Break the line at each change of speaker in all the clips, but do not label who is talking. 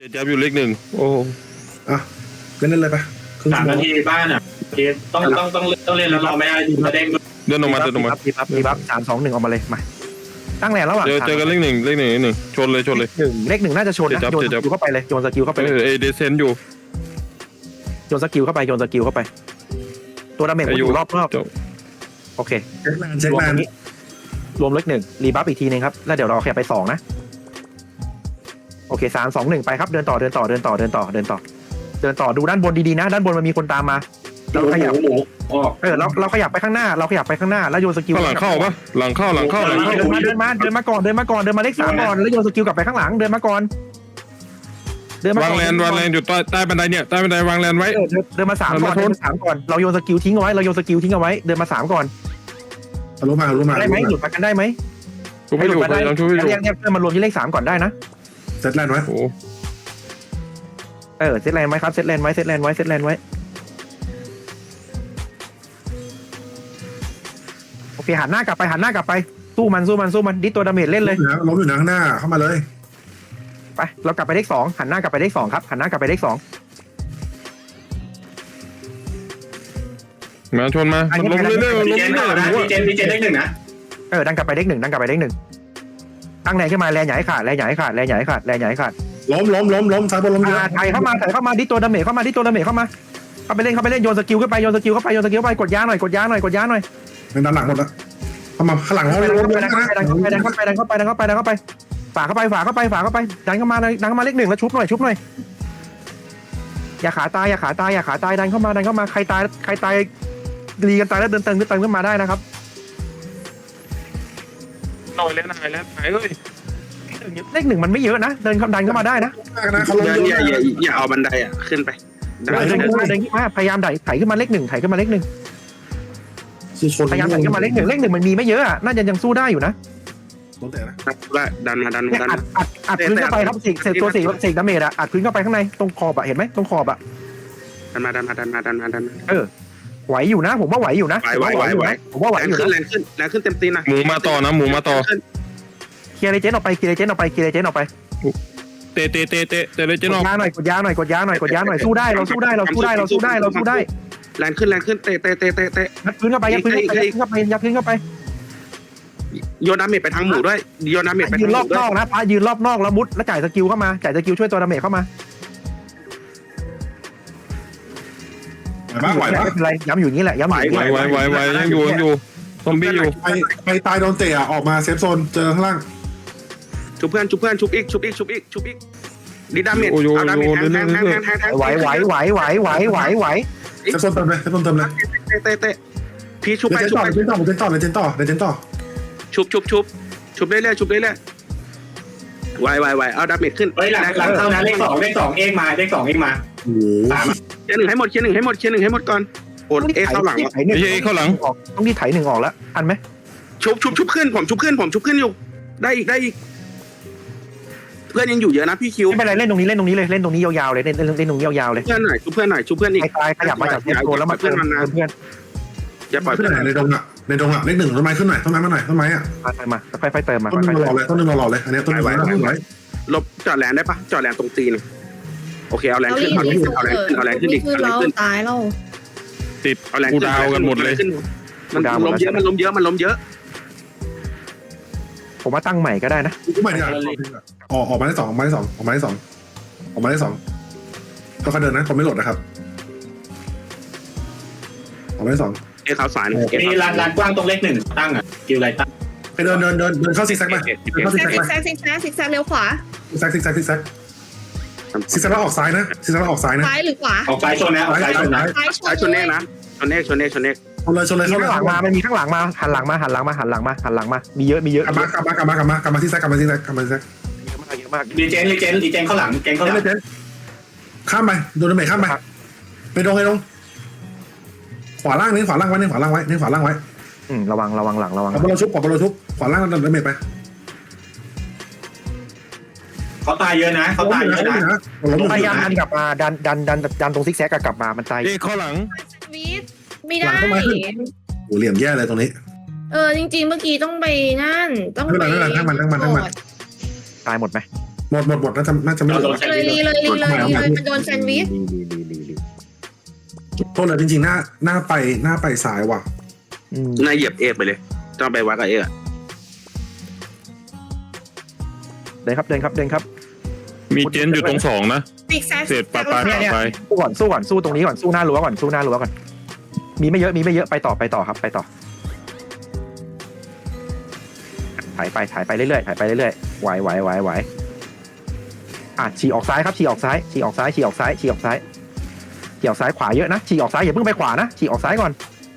จับอยู่เลขหนึ่งโอ้
อ่ะเล่นเลยไปครึ่ง
สา
ชั่
ม
วโม
นาง ทีบ้านอ่ะต้องเล่นแล้วเราไม่ได้จะเด้ง
เดินออกมา
ดีบัฟ3-2-1ออกมาเลยมาตั้งแรงระหว่าง
เจอกันเลขหนึ่งชนเลย
เลขหนึ่งน่าจะชนนะโยนสกิลเข้าไปเลยโยนสกิลเข้าไปเลย
เดเซนอยู่
โยนสกิลเข้าไปโยนสกิลเข้าไปตัวดาเมจมันอยู่รอบโอเค
เช็ค
รวม
แม
ตร
น
งนี้รวมเลขหนึ่งรีบัฟอีกทีนึงครับแล้วเดี๋ยวเราขยับไป2นะโอเค3-2-1ไปครับเดินต่อดูด้านบนดีๆนะด้านบนมันมีคนตามมาเราขยับ
หมูออก
เราขยับไปข้างหน้าแล้วโยนสกิล
ข้างหลังเข้าปะหลังเข้า
เดินมาก่อนเดินมาเลข3ก่อนแล้วโยนสกิลกลับไปข้างหลังเดินมาก่อน
วางแลนอยู่ใต้บันไดเนี่ยใต้บันไดวางแลนไว้
เดินมา3ก่อนเราโยนสกิลทิ้งเอาไว้เดินมา3ก่อน
รู้มา
ได้ไหมหลุดมากันได้ไหม
ช่วยไม่อยู่พยายามช่วยไม่อยู่
เรียกเพื่อนมารวมที่เลข3ก่อนได้นะ
เซตแลนด์ไว้
โอ้
เซตแลนด์ไว้ครับเซตแลนด์ไว้โอเคหันหน้ากลับไปสู้มันดิตัวดาเมจเล่นเลย
ล้มอยู่นะข้างหน้าเข้ามาเลย
ไปเรากลับไปเลข2หันหน้ากลับไปเลข2ครับหันหน้ากลับไปเลข2
มาชนมาล้มเรื่อย
ดีเจนนะดีเจนเลขหนึ่งนะ
ดันกลับไปเลข1ตั้งแรงขึ้นมาแรงใหญ่ขาด
ล้มซ้ายบนล้มเยอะ
ถ่ายเข้ามาดิตัวดาเมจเข้ามาเข้าไปเล่นโยนสกิลขึ้นไปกดยาหน่อย
เป็นด้านหลังหมดแล้วเข้ามาข้างหลังเราล้มเยอะนะ
ดันเข้าไปฝาเข้าไปดันเข้ามาเลข1แล้วชุบหน่อยอย่าขาตายดันเข้ามาใครตายรีกันตายแล้วเดินเติมขึ้นมาได้นะครับ
หน่อยแล้วหายเลย
เลข1มันไม่เยอะนะเดินดันเข้ามาได้นะ
เขาล้มเยอะ
อย่าเอาบันไดอ่ะขึ้นไป
เดินขึ้นมาพยายามไถขึ้นมาเลข1พยายามไถขึ้นมาเลข1มันมีไม่เยอะน่าจะยังสู้ได้อยู่นะ
ล้มแต่นะ
ดันมา
อัดพื้นเข้าไปครับเศษตัวเศษดาเมจอัดพื้นเข้าไปข้างในตรงขอบเห็นไหมตรงขอบ
ดันมา
ไหวอยู่นะผมว่าไหวอยู่นะ
ไหว
ผมว่าไหวอยู่นะ
แรงขึ้นเต็มตีนนะ
หมูมาต่อ
เคลียร์เลเจนออกไปเตะเลยเจนออกไป
เตะเลยเจนออก
กดยาหน่อยสู้ได้เราสู้ได้
แรงขึ้นเตะ
ยัดพื้นเข้าไป
โยนดาเมจไปทางหมูด้วยโยนดาเมจไป
ยื
ทาง
น
ห
ร
มู
อบ
ด้
น
วย
อกนะพายืนรอบนอกแล้วมุดแล้วจ่ายสกิลช่วยตัวดาเมจเข้ามา
ไหวปะ
ไม่เป็นไรย้ำอยู่นี้แหละย้ำอยู่
ไวยังอยู่ซอมบี้อยู่
ใครตายโดนเตะออกมาเซฟโซนเจอข้างล่าง
ชุบเพื่อนชุบอีกดีดาเมจเอาดาเมจแทง
ไหว
เซฟโซนเติมเลย
เตะพี่ชุบไป
เจนต่อ
ชุบเรื่อยไหวเอาดาเมจขึ้น
เฮ้ยหลังเข้านะเลขสองเองมา
โอ้โห
เคลียร์1ให้หมดก่อนโอนเข้าหลัง
ไม่ใช่เข้าหลัง
ต้องที่ไถ1ออกแล้วทันไหม
ชุบขึ้นผมชุบขึ้นอยู่ได้อีกเพื่อนยังอยู่เยอะนะพี่คิว
ไม่เป็นไรเล่นตรงนี้เลยเล่นตรงนี้ยาวๆเลยเล่นตรงนี้ยาวๆเลย
เพื่อนหน่อยชุบเพื่อนอีก
ตายขยับมาจากโซนแล้วมาเพื่อน
อย่าปล่อย
ขึ้น
เพื่อน
ไหนในดงเลขหนึ่งต้นไม้ขึ้นหน่อยต้นไม้มาหน่อยต้นไม้อ่ะ
มาค่อยๆเติมมา
ต้นนึงรอเลยอันนี้ต้นนึงไว้
ลบจอดแรงได้ปะจอดแรงตรงตีนโอเคเอาแรงขึ้นเอาแรงขึ้นอีก
ตายแล้ว
ติดกูดาวกันหมดเลย
มันล้มเยอะ
ผมว่าตั้งใหม่ก็ได้นะ
ใหม่เนี่ยออกมาได้2ก็เขาเดินนะผมไม่หลดนะครับออกมาได้2
เอ้เขาสาย
มีลานกว้างตรงเลขหนึ่งตั้งอ่ะคิวไรตั้ง
ไปเดินเข้าซิกแซกไปเข้าซิกแซกไป
ซิกแซกเลี้ยวขวา
ซิกแซกแล้วออกซ้ายนะ
ซ้ายหรือขวา
ออกซ้ายชนนะ
ซ้ายชน
ชนเน่นะชนเน่
ชนเลย
ข้างหลังมามันมีข้างหลังมาหันหลังมามีเยอะ
กลับมาซิกแซก
เยอะมาก
ดีเจนเข้าหลัง
ข้ามไปโดนเมย์ข้ามไปไปตรงขวาล่างไว้ระวังหลังขวาล่างชุบขวาล่างโดนเมย์ไป
เขาตายเยอะนะ
พยายามดันกลับมาดันตรงซิกแซกกลับมามันตาย
เข้าหลัง
วีดไม่ได้
โอ้เหลี่ยมแย่เลยตรงนี้
จริงๆเมื่อกี้ต้องไปนั่นต้องไป
ทั้งมัน
ตายหมดไหม
หมดน่าจะไม่เหลือ
เลยมันโดนแซนด์วิช
โทษเลยจริงๆหน้าไปซ้ายว่ะ
นายเหยียบเอกไปเลยต้องไปวัดกับเอก
เดินครับ
มีเจนอยู่ตรง2นะ
ซิกแซก
เศษปาไป
สู้ก่อนสู้ตรงนี้ก่อนสู้หน้ารั้วก่อนมีไม่เยอะไปต่อครับไปต่อถ่ายไปเรื่อยไหวฉีกออกซ้ายครับฉีกออกซ้ายขวาเยอะนะฉีกออกซ้ายอย่าเพิ่งไปขวานะฉีกออกซ้ายก่อน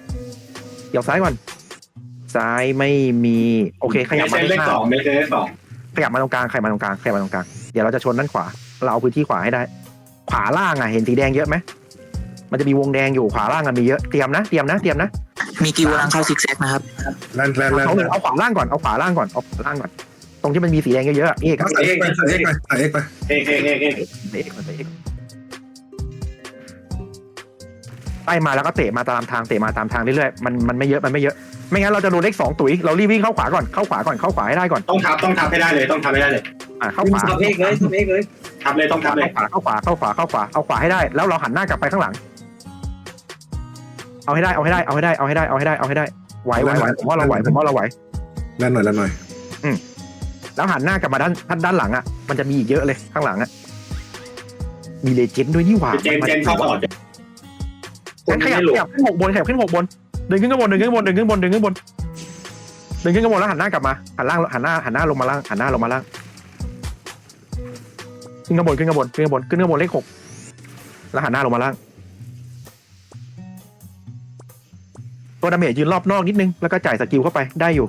ซ้ายไม่มีโอเคขยับมา
เลข 2ไม่ใช่เลข
ขยับมาตรงกลางเดี๋ยวเราจะชนด้านขวาเราเอาพื้นที่ขวาให้ได้ขวาล่างเห็นสีแดงเยอะไหมมันจะมีวงแดงอยู่ขวาล่างมีเยอะเตรียมนะ
มีกิวกำลังเข้าซิกแซกนะครับ
แลน
เอาขวาล่างก่อนตรงที่มันมีสีแดงเยอะๆเอก
ใส่เอกไป
เอก
ไล่มาแล้วก็เตะมาตามทางเรื่อยๆมันไม่เยอะไม่งั้นเราจะโดนเลข2ตุ๋ยเรารีบวิ่งเข้าขวาให้ได้ก่อน
ต้องทับให้ได้เลยเข้าขวา
ทับเอกเลย
ทับเลยต้องทับเลย
เข้าขวาเอาขวาให้ได้แล้วเราหันหน้ากลับไปข้างหลังเอาให้ได้ไหวผมว่าเราไหว
แลนหน่อย
แล้วหันหน้ากลับมาด้านหลังมันจะมีอีกเยอะเลยข้างหลังมีเลเจนด์ด้วยนี่หว่า
เจนเข้าต่อ
งั้นขยับขึ้น6บนเดินขึ้นข้างบนแล้วหันหน้ากลับมาหันหน้าลงมาล่างขึ้นข้างบนเลข6แล้วหันหน้าลงมาล่างตัวดาเมจยืนรอบนอกนิดนึงแล้วก็จ่ายสกิลเข้าไปได้อยู่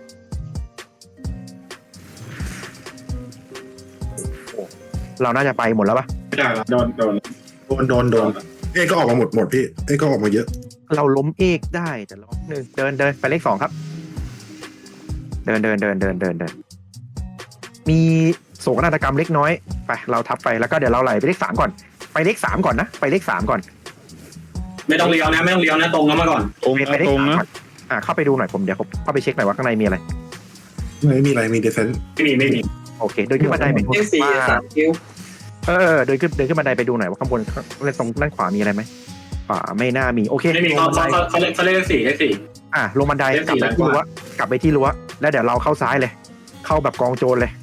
เราน่าจะไปหมดแล้วปะ
โดน
เอกก็ออกมาหมดพี่เอกก็ออกมาเยอะ
เราล้มเอกได้แต่ล้มหนึ่งเดินไปเลข2ครับเดินมีโศกนาฏกรรมเล็กน้อยไปเราทับไปแล้วก็เดี๋ยวเราไหลไปเลข3ก่อนไปเลข3ก่อนนะไปเลข3ก่อน
ไม่ต้องเลี้ยวนะตรงแล้วมาก่อน
ไปเลข3ก่อนเข้าไปดูหน่อยเดี๋ยวเข้าไปเช็คหน่อยว่าข้างในมีอะไร
ไม่มีอะไรมีเดฟเฟนส์
ไม่มี
โอเคเดินขึ้นบันไดไป
เลข4 3คิว
เดินขึ้นบันไดไปดูหน่อยว่าข้างบนตรงด้านขวามีอะไรไหมขวาไม่น่ามีโอเค
ไม่มีเขาเลข4
ลงบันไดกลับไปที่รั้วแล้วเดี๋ยวเราเข้าซ้ายเลยเข้าแบบกองโจรเลย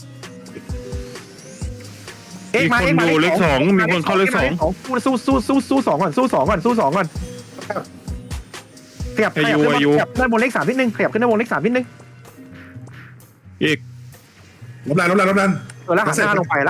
มีคนดูเลข2มีคนเข้าเลข2
สู้2ก่อนขยับขึ้นบนเลข3นิดนึง
อีก
ลบแลน
แล้วหันหน้าลงไป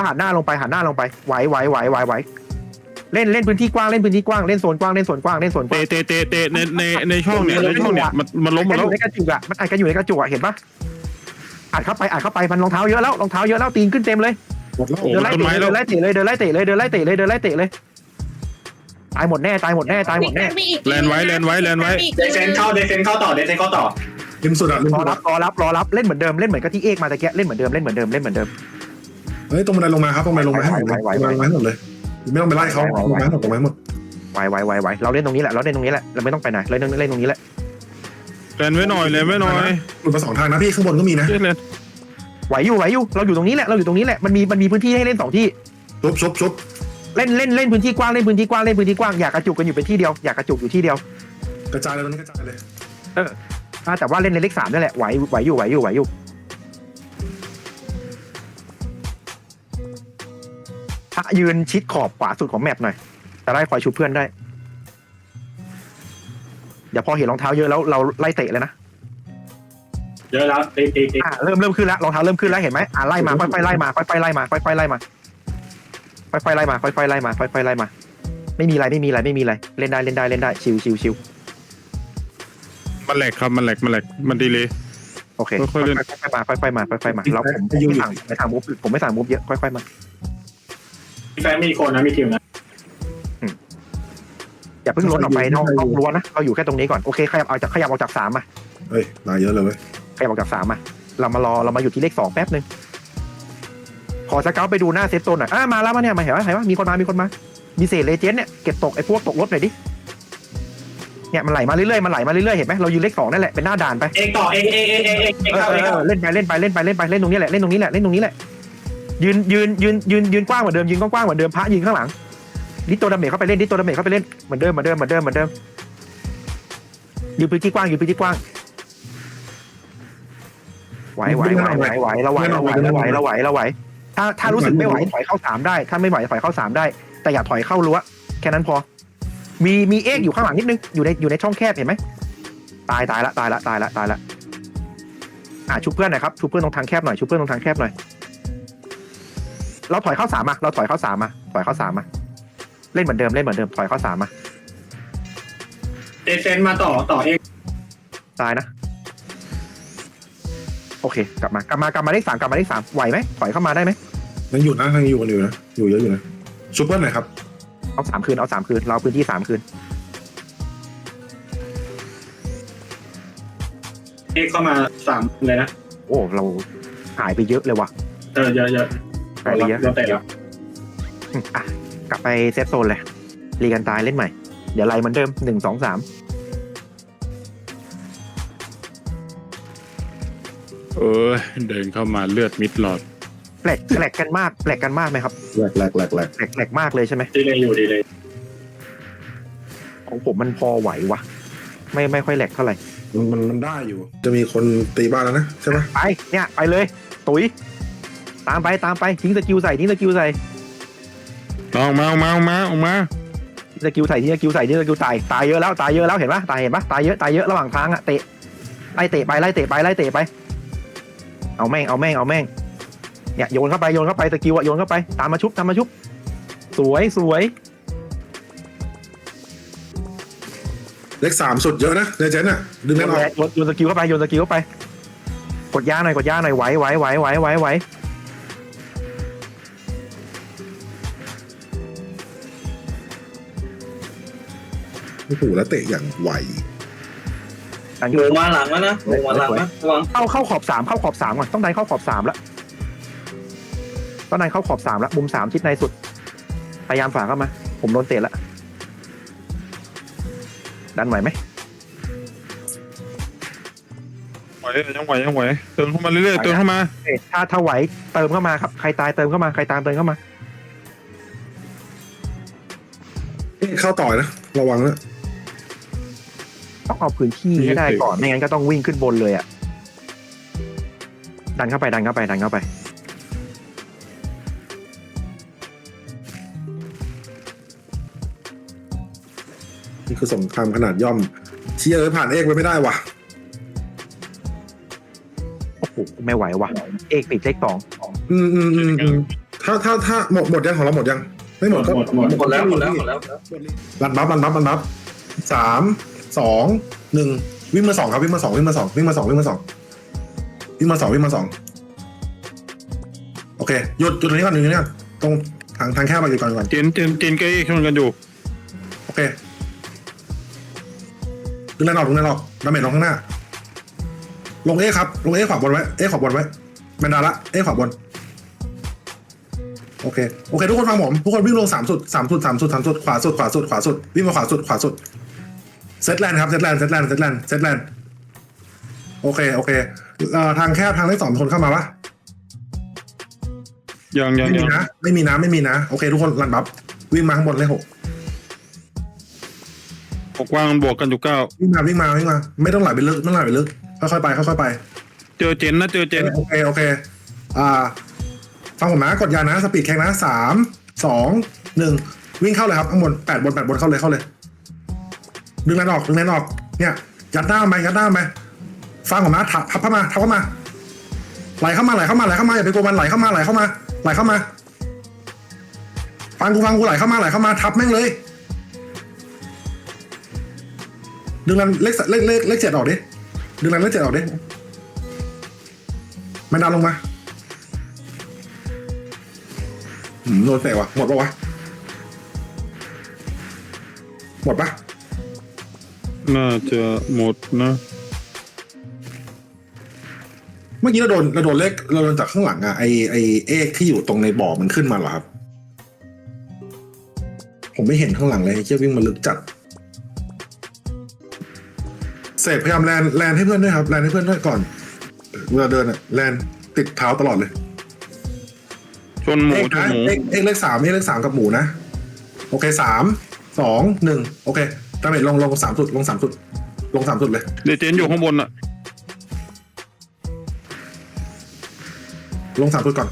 ไหวเล่นพื้นที่กว้างเล่นโซนกว้าง
เตในช่องเนี่ยมันล้มหมดแล้ว
ในกระจุกมันอัดกันอยู่ในกระจุกเห็นปะอัดเข้าไปมันรองเท้าเยอะแล้วตีนขึ้นเต็มเลยเดินไล่เตะเลยตายหมดแน่
แลนไว้
เดฟเฟนเข้าต่อ
ริมสุด
รอรับเล่นเหมือนเดิมเล่นเหมือนกับที่เอกมาตะเกียเล่นเหมือนเดิม
เฮ้ยตรงบันไดลงมาครับตรงบันไดลงมาให้หมดเลยไม่ต้องไปไล่เขาลงมาหมด
ไหวเราเล่นตรงนี้แหละเราไม่ต้องไปไหนเล่นตรงนี้แหละ
แลนไว้หน่อย
หลุดมา2ทางนะพี่ข้างบนก็มีนะ
ไหวอยู่เราอยู่ตรงนี้แหละมันมีพื้นที่ให้เล่น2ที่
ชุบ
เล่นพื้นที่กว้างอยากกระจุกกันอยู่เป็นที่เดียวอยากกระจุกอยู่ที่เดียว
กระจายเลยตอนนี้กระจายเลย
แต่ว่าเล่นในเลข3นั่นแหละไหวอยู่ยืนชิดขอบขวาสุดของแมปหน่อยจะได้คอยชูเพื่อนได้เดี๋ยวพอเห็นรองเท้าเยอะแล้วเราไล่เตะเลยนะ
เยอะแล้วตี
เริ่มขึ้นแล้วรองเท้าเริ่มขึ้นแล้วเห็นไหมไล่มาค่อยๆไล่มาไม่มีอะไรเล่นได้ชิว
มันแหลกครับมันแหลกมันดีเลย
โอเคค่อยๆมาแล้วผมไม่ทางมูฟผมไม่สั่งมูฟเยอะค่อยๆมา
แฟนมีคนนะมีทีมนะ
อย่าเพิ่งล้นออกไปนอกรั้วนะเราอยู่แค่ตรงนี้ก่อนโอเคขยับออกจาก3มา
เฮ้ยมาเยอะเลยเว้ย
ขยับออกจาก3มาเรามาอยู่ที่เลข2แป๊บนึงขอสเกลไปดูหน้าเซฟโซนหน่อยมาแล้วเนี่ยมาเห็นว่ามีคนมามีเศษเลเจนด์เนี่ยเก็บตกไอ้พวกตกรถหน่อยดิเนี่ยมันไหลมาเรื่อยเห็นไหมเรายืนเลข2นั่นแหละเป็นหน้าด่านไป
เอกต่อเอก
เล่นไปเล่นตรงนี้แหละยืนกว้างเหมือนเดิมยืนกว้างๆเหมือนเดิมพระยืนข้างหลังดิตัวดาเมจเข้าไปเล่นดิตัวดาเมจเข้าไปเล่นเหมือนเดิมยืนพื้นที่กว้างไหวเราไหวถ้ารู้สึกไม่ไหวถอยเข้า3ได้ถ้าไม่ไหวถอยเข้า3ได้แต่อย่าถอยเข้ารั้วแค่นั้นพอมีเอ็กอยู่ข้างหลังนิดนึงอยู่ในช่องแคบเห็นไหมตายละชุบเพื่อนหน่อยครับชุบเพื่อนตรงทางแคบหน่อยเราถอยเข้า3มาถอยเข้า3มาเล่นเหมือนเดิมถอยเข้า3มา
เอเซนมาต่อเอง
ตายนะโอเคกลับมาเลข 3ไหวไหมถอยเข้ามาได้ไหม
ยังอยู่นะยังอยู่กันอยู่นะอยู่เยอะอยู่นะซุปเปอร์หน่อยครับ
เอา3คืนเราพื้นที่3คืน
เอ็กเข้ามา3เลยนะ
โอ้เราหายไปเยอะเลยว่ะ
เยอะ
หายไปเยอะ
เราเตะแล้ว
อ่ะกลับไปเซตโซนเลยรีกันตายเล่นใหม่เดี๋ยวไล่เหมือนเดิม1 2 3
เดินเข้ามาเลือดมิดหลอด
แหลกกันมากไหมครับ
แหลก
แหลกมากเลยใช่ไหม
ดีเลย
ของผมมันพอไหววะไม่ค่อยแหลกเท่าไหร่
มันได้อยู่จะมีคนตีบ้านแล้วนะใช่ไหม
ไปเนี่ยไปเลยตุ๋ยตามไปทิ้งสกิลใส่ทิ้งสกิลใส่
ออกมา
สกิลใส่ทิ้งสกิลใส่ทิ้งสกิลตายเยอะแล้วเห็นปะตายเยอะระหว่างทางอะเตะไล่เตะไปเอาแม่งเนี่ยโยนเข้าไปสกิลอะโยนเข้าไปตามมาชุบสวย
เลข3สุดเยอะนะเลเจนด์อ่ะดึงแน่นออก
โยนสกิลเข้าไปกดยาหน่อยไหว
โอ้โหแล้วเตะอย่างไว
หนูมาหลังแล้วนะหนูมาหลังนะระวัง
เข้าขอบ3ก่อนต้องดันเข้าขอบ3แล้วมุม3ชิดในสุดพยายามฝ่าเข้ามาผมโดนเตะแล้วดันไหวไหม
ยังไหวเติมเข้ามาเรื่อยๆเติมเข้ามา
ถ้าไหวเติมเข้ามาครับใครตายเติมเข้ามาใครตามเติมเข้ามา
เข้าต่อยนะระวังนะ
ต้องเอาพื้นที่ให้ได้ก่อนไม่งั้นก็ต้องวิ่งขึ้นบนเลยอ่ะดันเข้าไป
นี่คือสงครามขนาดย่อมเชียร์ผ่านเอกไปไม่ได้ว่ะ
โอ้โหไม่ไหวว่ะเอกปิดเลข2
ถ้าหมดยังของเราหมดยังไม่หมดก็
หมดแล้ว
รันบัฟ3 2 1วิ่งมา2ครับวิ่งมา2โอเคหยุดตรงนี้ก่อนตรงทางแคบไปก่อน
เจนเกย์ชนกันอยู่
โอเคดึงแรงออกดาเมจลงข้างหน้าลงเอครับลงเอขวาบนไว้แมนดาละเอขวาบนโอเคทุกคนฟังผมทุกคนวิ่งลง3 สุดขวาสุดวิ่งมาขวาสุดเซตแลนด์ครับเซตแลนด์โอเคทางแคบทางเลข2คนเข้ามาปะ
ยัง
ไม่มีนะโอเคทุกคนรันบัฟวิ่งมาข้างบนเลข6
กว้างบวกกันอยู่9
วิ่งมาไม่ต้องไหลไปลึกค่อยๆไป
เจอเจน
โอเคฟังผมนะกดยานะสปีดแข่งนะ3 2 1วิ่งเข้าเลยครับข้างบน8 บนเข้าเลยดึงแรงออกเนี่ยยัดหน้าไปฟังผมนะทับเข้ามาไหลเข้ามาอย่าไปกลัวมันไหลเข้ามาฟังกูไหลเข้ามาทับแม่งเลยดึงแรงเลข7ออกดิดึงแรงเลข7ออกดิมันดันลงมาโดนเตะว่ะหมดปะ
น่าจะหมดนะ
เมื่อกี้เราโดนเลขเราโดนจากข้างหลังอะไอเอกที่อยู่ตรงในบ่อมันขึ้นมาเหรอครับผมไม่เห็นข้างหลังเลยเชี่ยวิ่งมาลึกจัดเสกพยายามแลนให้เพื่อนด้วยครับแลนให้เพื่อนด้วยก่อนเวลาเดินอะแลนติดเท้าตลอดเลย
ชนหมู
เอ็ก
ชน
นะ
หมู
เอ็กเลขสามเอ็กเลขสามกับหมูนะโอเค3 2 1โอเคดาเมจลง3 จุดลง3 จุดลง3 จุดเลย
เดเจนอยู่ข้างบนอ่ะ
ลง3 จุดก่อน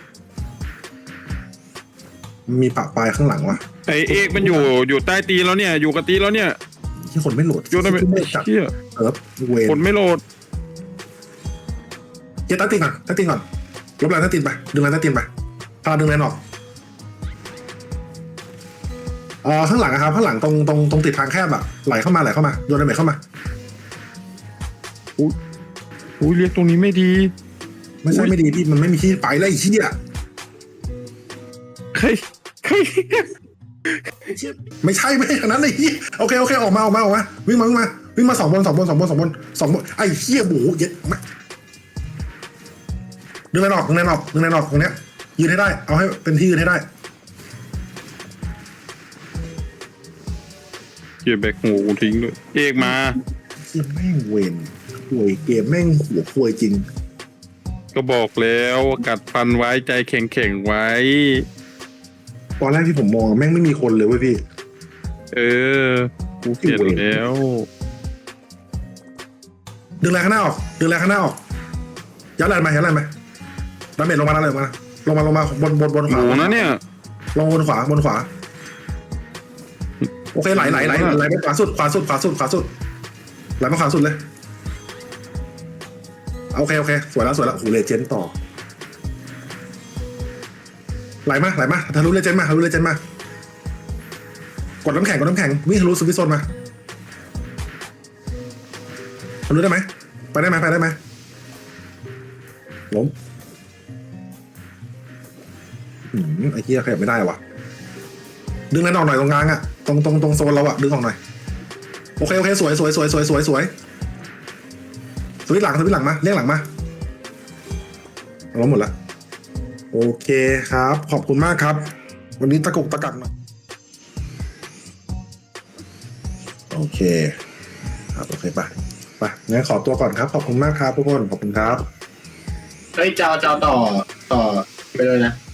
มีปะปลายข้างหลังวะ
ไอเอกมันอยู่ใต้ตีแล้วเนี่ยอยู่กับตีแล้วเนี่ย
ที่คนไม่โหลด
โยนได้ไหม
ที่ไม่จัด
เชี่ย
เว
คนไม่โหลด
เจ๊ตั้งตีนก่อนลบแรงตั้งตีนไปดึงแรงตั้งตีนไปพาดึงแรงออกข้างหลังนะครับข้างหลังตรงติดทางแคบอะไหลเข้ามาโยนดาเมจเข้ามา
อุ้ยเรียกตรงนี้ไม่ดี
ไม่ใช่ไม่ดีพี่มันไม่มีที่ไปแล้วไอ้เหี้ย
ใคร
ไม่ใช่ขนาดนั้นไอ้เหี้ยโอเคออกมาวิ่งมา2 บนไอ้เหี้ยหมูเย็ดมาดึงแรงออกตรงเนี้ยยืนให้ได้เอาให้เป็นที่ยืนให้ได้
เกียร์แบกหัวกูทิ้งด้วยเอกมา
เหี้ยแม่งเวนห่วยเกมแม่งหัวควยจริง
ก็บอกแล้วกัดฟันไว้ใจแข็งไว้
ตอนแรกที่ผมมองแม่งไม่มีคนเลยเว้ยพี่
เออกูเปลี่ยนแล้ว
ดึงแรงข้างหน้าออกยัดแรงมาดาเมจลงมาบน
ห
ขวา
มูนะเนี่ย
ลงบนขวาโอเคไหลไปขวาสุดไหลมาขวาสุดเลยโอเคสวยแล้วโหเลเจนด์ต่อไหลมาทะลุเลเจนด์มากดน้ำแข็งวิ่งทะลุสวิตโซนมาทะลุได้ไหมไปได้ไหมล้มไอ้เหี้ยขยับไม่ได้ว่ะดึงแรงออกหน่อยตรงกลางอะตรงโซนเราอะดึงออกหน่อยโอเคสวยสวิตหลังมาเรียกหลังมาล้มหมดละโอเคครับขอบคุณมากครับวันนี้ตะกักหน่อยโอเคครับโอเคไปงั้นขอตัวก่อนครับขอบคุณมากครับทุกคนขอบคุณครับ
เฮ้ยเจ้าต่อไปเลยนะ